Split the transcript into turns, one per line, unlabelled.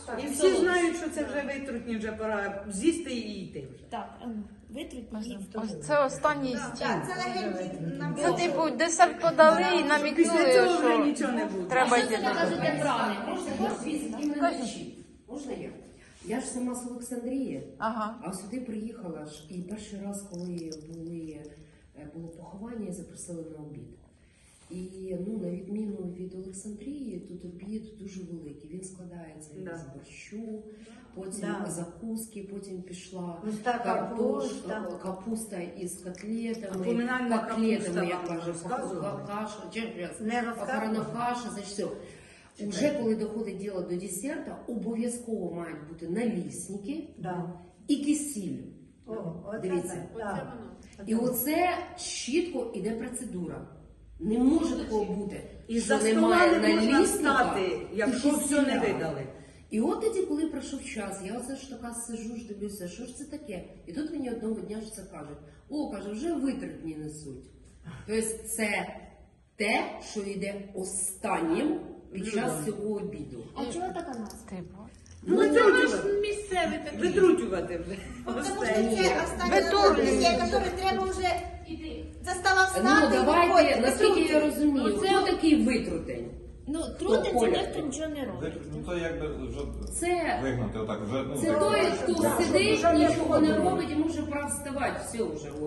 І всі знають, що це вже витрутні, вже пора з'їсти і йти вже.
Так, витрутні її.
Ось це останній стіл.
Це легенький нам
Це типу десерт подали і
Після
намікнули,
цього вже
що
нічого не буде.
треба йти
Це
додому.
кажете брани.
Можна я? Я ж сама з Олександрії,
Ага.
а сюди приїхала ж, і перший раз, коли було поховання, запросили на обід. І на відміну від Олександрії, тут обід дуже великий. Він складається із борщу, потім закуски, потім пішла капуста із котлетами, як каже, похорона каша, значить все. Уже коли доходить діло до десерта, обов'язково мають бути налісники і кисіль. Дивіться. І оце чітко іде процедура. Не може такого бути,
І
що
за стола
немає
не можна
налісника
встати, якщо
і
все не
кисіля.
видали.
І от тоді, коли пройшов час, я оце ж така сижу, ж дивлюся, що ж це таке? І тут мені одного дня ж це кажуть. Каже, вже витратні несуть. Тобто це те, що йде останнім під час цього обіду.
А чого така назва?
Типу.
Витрутювати вже.
Тому що це останнє
Витурлюють.
який треба вже застава встати.
Давайте, наскільки я розумію, хто такий витрутень?
Трудиться,
Коля.
дехто нічого не робить.
Ну то якби вже
Це-
вигнати отак, вже
Це той, хто сидить, нічого не робить, йому вже пора вставати, все вже.